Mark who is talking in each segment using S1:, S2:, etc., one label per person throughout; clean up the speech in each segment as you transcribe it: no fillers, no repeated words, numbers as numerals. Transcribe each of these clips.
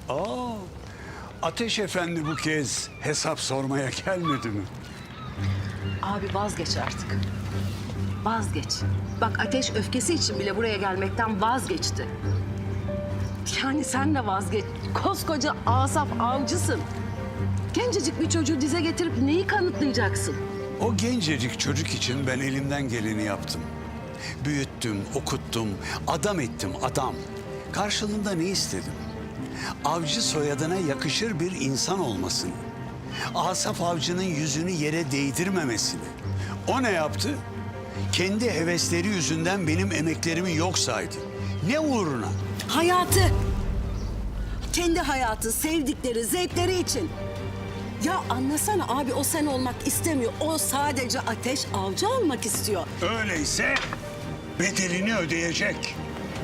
S1: Aa, Ateş Efendi bu kez hesap sormaya gelmedi mi?
S2: Abi vazgeç artık. Vazgeç. Bak Ateş öfkesi için bile buraya gelmekten vazgeçti. Yani sen de vazgeç. Koskoca Asaf avcısın. Gencecik bir çocuğu dize getirip neyi kanıtlayacaksın?
S1: O gencecik çocuk için ben elimden geleni yaptım. Büyüttüm, okuttum, adam ettim adam. Karşılığında ne istedim? Avcı soyadına yakışır bir insan olmasını. Asaf Avcı'nın yüzünü yere değdirmemesini. O ne yaptı? Kendi hevesleri yüzünden benim emeklerimi yok saydı. Ne uğruna?
S2: Hayatı. Kendi hayatı, sevdikleri, zevkleri için. Ya anlasana abi, o sen olmak istemiyor. O sadece Ateş avcı olmak istiyor.
S1: Öyleyse bedelini ödeyecek.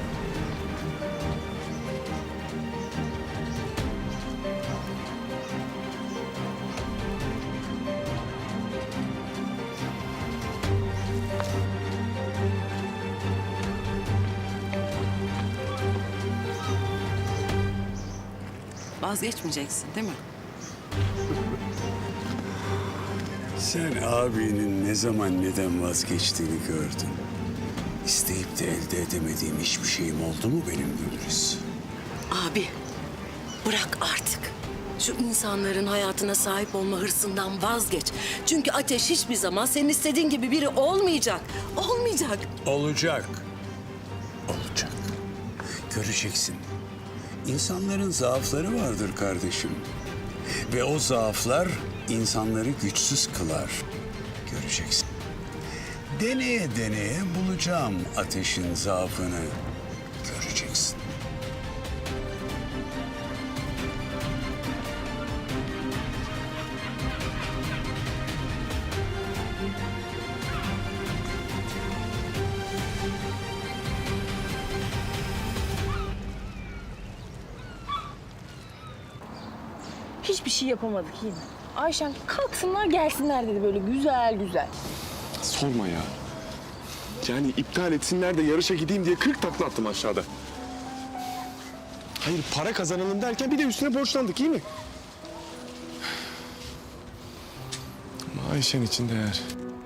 S2: Vazgeçmeyeceksin değil mi?
S1: Sen abinin ne zaman neden vazgeçtiğini gördün. İsteyip de elde edemediğim hiçbir şeyim oldu mu benim Gülriz?
S2: Abi bırak artık. Şu insanların hayatına sahip olma hırsından vazgeç. Çünkü Ateş hiçbir zaman senin istediğin gibi biri olmayacak. Olmayacak.
S1: Olacak. Olacak. Göreceksin. İnsanların zaafları vardır kardeşim. Ve o zaaflar insanları güçsüz kılar. Göreceksin. Deneye deneye bulacağım Ateş'in zaafını. Göreceksin.
S3: Hiçbir şey yapamadık yine. Ayşen kalksınlar gelsinler dedi böyle güzel güzel.
S4: Sorma ya. Yani iptal etsinler de yarışa gideyim diye 40 takla attım aşağıda. Hayır, para kazanalım derken bir de üstüne borçlandık, iyi mi? Ama Ayşen için değer.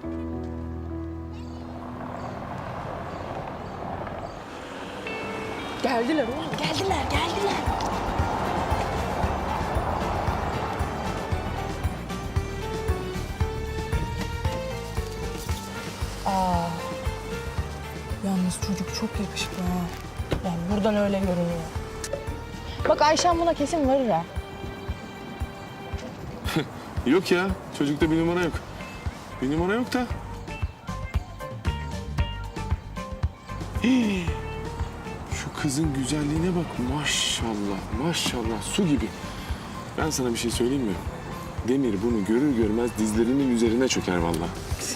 S3: Geldiler oğlum, geldiler. Yalnız çocuk çok yakışıklı ha. Yani buradan öyle görünüyor. Bak Ayşen buna kesin varır ha.
S4: Yok ya, çocukta bir numara yok. Bir numara yok da. Hii. Şu kızın güzelliğine bak, maşallah, su gibi. Ben sana bir şey söyleyeyim mi? Demir bunu görür görmez dizlerinin üzerine çöker vallahi.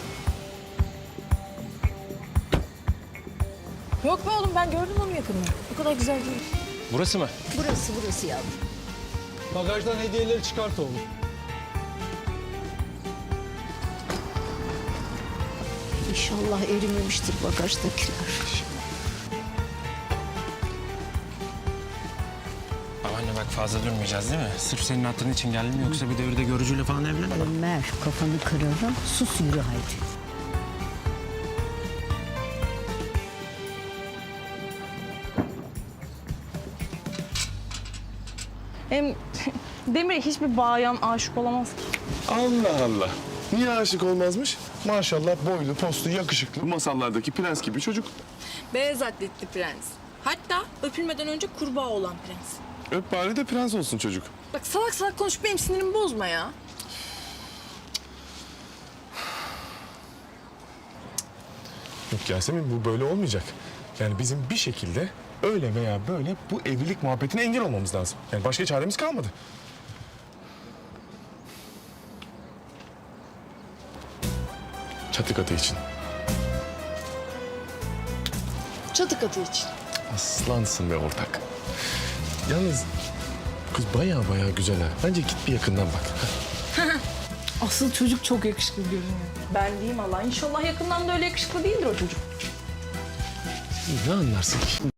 S3: Yok be oğlum, ben gördüm onu yakından. O kadar güzel değil.
S5: Burası mı?
S2: Burası yavrum.
S5: Bagajdan hediyeleri çıkart oğlum.
S2: İnşallah erimemiştir bagajdakiler.
S5: Babaanne bak fazla durmayacağız değil mi? Sırf senin hatırın için geldim yoksa bir devirde görücüyle falan evlenme.
S6: Ömer kafanı kırarım. Sus yürü haydi.
S3: Hem Demir'e hiçbir bayan aşık olamaz ki.
S4: Allah Allah. Niye aşık olmazmış? Maşallah boylu, postlu, yakışıklı. Masallardaki prens gibi çocuk.
S3: Beyaz atletli prens. Hatta öpülmeden önce kurbağa olan prens.
S4: Öp bari de prens olsun çocuk.
S3: Bak salak salak konuşup benim sinirimi bozma ya.
S4: Yok Yasemin, bu böyle olmayacak. Yani bizim bir şekilde öyle veya böyle bu evlilik muhabbetine engel olmamız lazım. Yani başka çaremiz kalmadı. Çatı katı için.
S3: Çatı katı için.
S4: Aslansın be ortak. Yalnız kız baya güzel ha. Bence git bir yakından bak.
S3: Asıl çocuk çok yakışıklı görünüyor. Ben diyeyim Allah. İnşallah yakından da öyle yakışıklı değildir o çocuk.
S4: Ne anlarsın ki?